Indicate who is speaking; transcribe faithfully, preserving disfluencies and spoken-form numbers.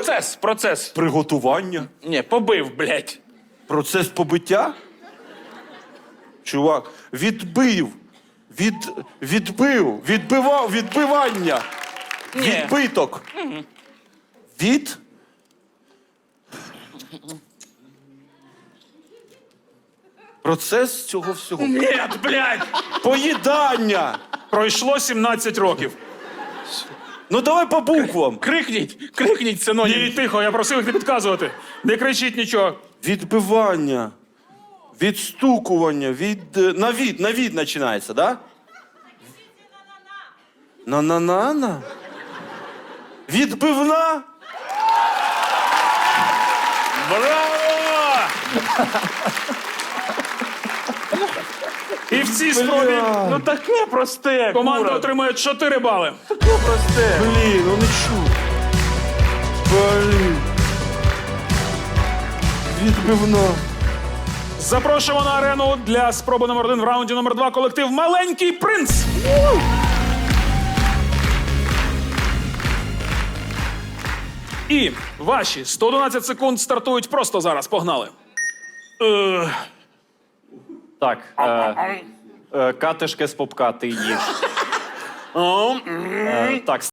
Speaker 1: Процес, процес.
Speaker 2: Приготування.
Speaker 1: Ні, побив, блядь.
Speaker 2: Процес побиття? Чувак, відбив. Від, відбив. Відбивав. Відбивання.
Speaker 1: Ні.
Speaker 2: Відбиток. Від... Процес цього всього.
Speaker 1: Ні, блядь.
Speaker 2: Поїдання.
Speaker 3: Пройшло сімнадцять років.
Speaker 2: Ну давай по буквам.
Speaker 1: Крикніть, крикніть синонім.
Speaker 3: Ні, тихо, я просив їх не підказувати. Не кричіть нічого.
Speaker 2: Відбивання. Відстукування. Від... е, На від, на від починається, да? На-на-на-на? Відбивна?
Speaker 3: Браво! І в цій спробі
Speaker 1: Ну таке просте.
Speaker 3: команда
Speaker 1: Кура.
Speaker 3: отримує чотири бали.
Speaker 1: Таке просте.
Speaker 2: Блін, ну не чу. Блін. Відбивна.
Speaker 3: Запрошуємо на арену для спроби номер один в раунді номер два колектив «Маленький принц». І ваші сто одинадцять секунд стартують просто зараз. Погнали. Е,
Speaker 4: Так, е, е, катишки з попка ти їш. Е, так,